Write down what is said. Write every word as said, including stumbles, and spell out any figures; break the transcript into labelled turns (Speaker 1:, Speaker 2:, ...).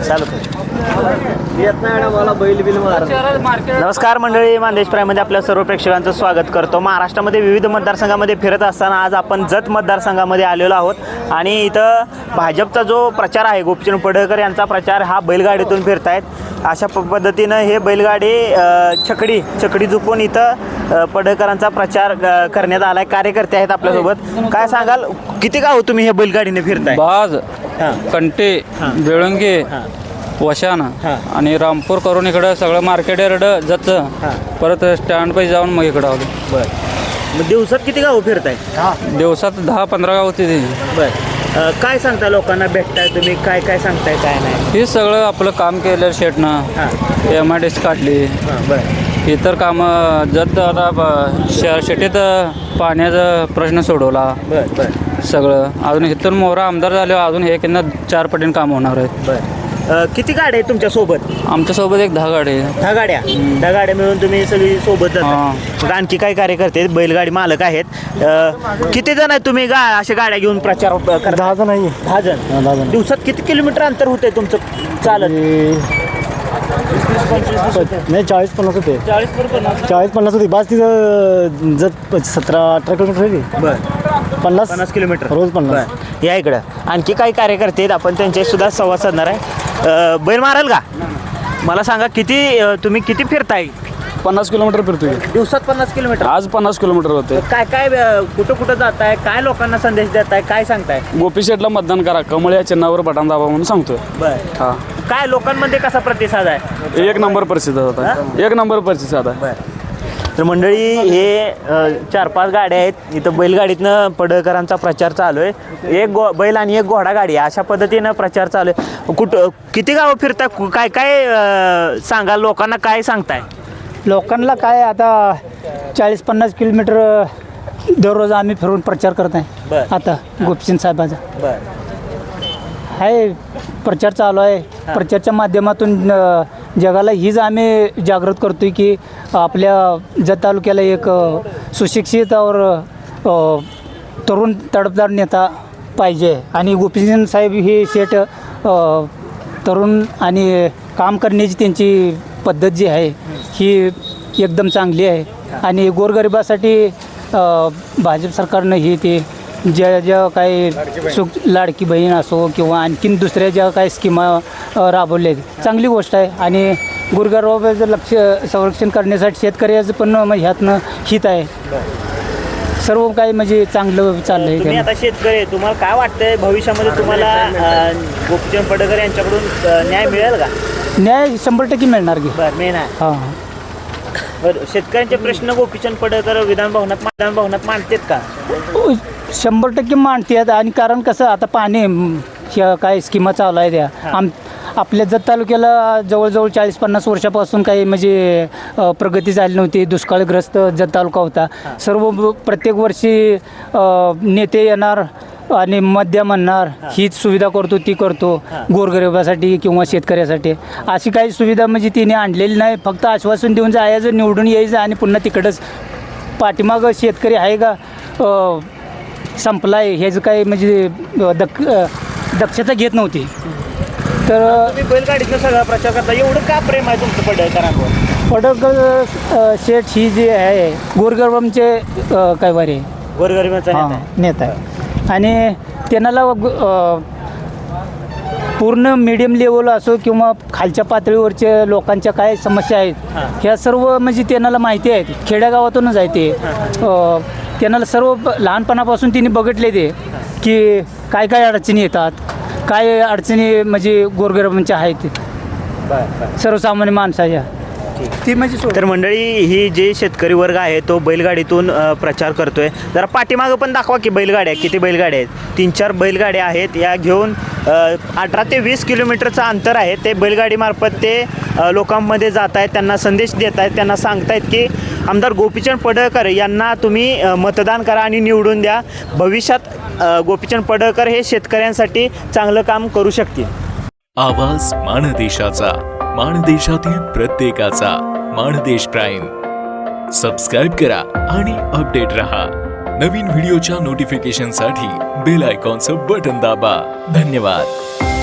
Speaker 1: चालू येत नाही मला बैल बिल मार. नमस्कार मंडळी, मानदेश प्राईममध्ये आपल्या सर्व प्रेक्षकांचं स्वागत करतो. महाराष्ट्रामध्ये विविध मतदारसंघामध्ये फिरत असताना आज आपण जत मतदारसंघामध्ये आलेलो आहोत आणि इथं भाजपचा जो प्रचार आहे, गोपीचंद पडळकर यांचा प्रचार हा बैलगाडीतून फिरतायत. अशा प पद्धतीनं हे बैलगाडी छकडी छकडी झुकून इथं पडळकरांचा प्रचार करण्यात आला आहे. कार्यकर्ते आहेत आपल्यासोबत. काय सांगाल, किती गाव तुम्ही हे बैलगाडीने फिरताय?
Speaker 2: बाज, कंटे, बेळंगे, वशान आणि रामपूर करून इकडं सगळं मार्केट यार्ड जातं, परत स्टँड पाशी जाऊन मग इकडं आलो.
Speaker 1: बरं, मग दिवसात किती गाव फिरताय?
Speaker 2: दिवसात दहा पंधरा गाव होती.
Speaker 1: बरं, काय सांगता लोकांना भेटताय तुम्ही? काय काय सांगताय काय नाही?
Speaker 2: हे सगळं आपलं काम केलं शेटनं, एम आय डी सी काढली,
Speaker 1: बरं,
Speaker 2: इतर कामं जत आता शेतीत पाण्याचा प्रश्न सोडवला.
Speaker 1: बरं बरं
Speaker 2: सगळं अजून इथून मोहरा आमदार झाले, अजून हे किंवा चार पटीने काम होणार आहेत.
Speaker 1: बरं, किती गाड्या आहेत तुमच्या सोबत?
Speaker 2: आमच्यासोबत एक दहा गाडी आहे.
Speaker 1: दहा गाड्या दहा गाड्या मिळून तुम्ही सगळी सोबत जाता. आणखी काही कार्यकर्ते आहेत, बैलगाडी मालक आहेत. किती जण आहेत तुम्ही गा अशा गाड्या घेऊन प्रचार करता?
Speaker 3: दहा जण आहे.
Speaker 1: दहा जण.
Speaker 3: दहा जण.
Speaker 1: दिवसात किती किलोमीटर अंतर होते तुमचं चालत?
Speaker 3: नाही, चाळीस पन्नास होते.
Speaker 1: चाळीस बरोबर
Speaker 3: चाळीस पन्नास होती बस. तिथं जत सतरा अठरा किलोमीटर होती.
Speaker 1: बरं,
Speaker 3: पन्नास
Speaker 1: पन्नास किलोमीटर
Speaker 3: रोज पन्नास.
Speaker 1: या इकडं आणखी काही कार्यकर्ते आहेत, आपण त्यांच्याशी सुद्धा संवाद साधणार आहे. बैल माराल का? मला सांगा, किती तुम्ही किती फिरताय?
Speaker 3: पन्नास किलोमीटर फिरतोय
Speaker 1: दिवसात. पन्नास किलोमीटर
Speaker 3: आज पन्नास किलोमीटर होते.
Speaker 1: काय काय कुठं कुठं जाताय? काय लोकांना संदेश देताय? काय सांगताय?
Speaker 3: गोपी शेटला मतदान करा, कमळ या चिन्हावर बटन दाबा म्हणून सांगतोय.
Speaker 1: बरं,
Speaker 3: हा,
Speaker 1: काय लोकांमध्ये कसा प्रतिसाद आहे?
Speaker 3: एक नंबर परिस्थिती होता. एक नंबर परिस्थिती आहे.
Speaker 1: तर मंडळी, हे चार पाच गाड्या आहेत इथं. बैलगाडीतनं पडळकरांचा प्रचार चालू आहे. एक गो बैल आणि एक घोडा गाडी अशा पद्धतीनं प्रचार चालू आहे. कुठं किती गावं फिरता? काय काय सांगा लोकांना, काय सांगताय?
Speaker 4: लोकांना काय, आता चाळीस पन्नास किलोमीटर दररोज आम्ही फिरून प्रचार करत आहे.
Speaker 1: बरं.
Speaker 4: आता गोपीचंद साहेबांचा
Speaker 1: बरं,
Speaker 4: आहे प्रचार चालू आहे. प्रचारच्या माध्यमातून जगाला हीच आम्ही जागृत करतो की आपल्या जत तालुक्याला एक सुशिक्षित और तरुण तडफदार नेता पाहिजे. आणि गोपीचंद साहेब हे शेठ तरुण आणि काम करण्याची त्यांची पद्धत जी आहे ही एकदम चांगली आहे. आणि गोरगरिबासाठी भाजप सरकारनं ही ते ज्या ज्या काही सुख लाडकी बहीण असो किंवा आणखीन दुसऱ्या ज्या काही स्कीमा राबवल्या आहेत, चांगली गोष्ट आहे. आणि गोरगरिबाचं लक्ष संरक्षण करण्यासाठी शेतकऱ्याचं पण ह्यातनं हित आहे. सर्व काही म्हणजे चांगलं चाललं
Speaker 1: तुम्ही
Speaker 4: आहे.
Speaker 1: आता शेतकरी, तुम्हाला काय वाटतंय भविष्यामध्ये तुम्हाला गोपीचंद पडळकर यांच्याकडून न्याय मिळेल का?
Speaker 4: न्याय शंभर टक्के मिळणार की.
Speaker 1: बरं, मेन आहे.
Speaker 4: हां,
Speaker 1: बरं, शेतकऱ्यांचे प्रश्न गोपीचंद पडळकर विधान भवनात विधान भवनात मांडतात का?
Speaker 4: शंभर टक्के मांडतात. आणि कारण कसं, आता पाणी ह्या काय स्कीमा चालू आहे त्या आम आपल्या जत तालुक्याला जवळजवळ चाळीस पन्नास वर्षापासून काही म्हणजे प्रगती झाली नव्हती. दुष्काळग्रस्त जत तालुका होता. सर्व प्रत्येक वर्षी नेते येणार आणि मध्य म्हणणार हीच सुविधा करतो ती करतो गोरगरिबासाठी किंवा शेतकऱ्यासाठी. अशी काही सुविधा म्हणजे तिने आणलेली नाही. फक्त आश्वासन देऊन जायचं, निवडून यायचं आणि पुन्हा तिकडंच. पाठीमागं शेतकरी आहे का संपला आहे ह्याचं काही म्हणजे दक दक्षता घेत नव्हती. तर
Speaker 1: तुम्ही बैलगाडीचा सगळा प्रचार करता, एवढं का प्रेम आहे तुमचं पडळकरांवर?
Speaker 4: पडळकर शेठ ही जी आहे गोरगरिबांचे काय वारे
Speaker 1: गोरगरिबांचा नेता आहे.
Speaker 4: नेता आहे. आणि त्यांना पूर्ण मीडियम लेवल असो किंवा खालच्या पातळीवरच्या लोकांच्या काय समस्या आहेत ह्या सर्व म्हणजे त्यांना माहिती आहेत. खेड्यागावातूनच आहे ते. त्यांना सर्व लहानपणापासून तिने बघितले ते की काय काय अडचणी येतात, काय अडचणी म्हणजे गोरगरिबांच्या आहेत सर्वसामान्य माणसाच्या. ती म्हणजे
Speaker 1: तर मंडळी, ही जे शेतकरी वर्ग आहे तो बैलगाडीतून प्रचार करतोय. जरा पाठीमागं पण दाखवा की बैलगाड्या, किती बैलगाड्या आहेत? तीन चार बैलगाड्या आहेत. या घेऊन अठरा ते वीस किलोमीटरचं अंतर आहे. ते बैलगाडीमार्फत ते लोकांमध्ये जात आहेत, त्यांना संदेश देत आहेत, त्यांना सांगतायत की आमदार गोपीचंद पडळकर यांना तुम्ही मतदान करा आणि निवडून द्या. भविष्यात गोपीचंद पडळकर हे शेतकऱ्यांसाठी चांगलं काम करू शकतील.
Speaker 5: आवाज माणदेशाचा, माणदेशातील प्रत्येकाचा. माणदेश प्राईम सबस्क्राईब करा आणि अपडेट रहा. नवीन व्हिडिओच्या नोटिफिकेशनसाठी बेल आयकॉनचं बटन दाबा. धन्यवाद.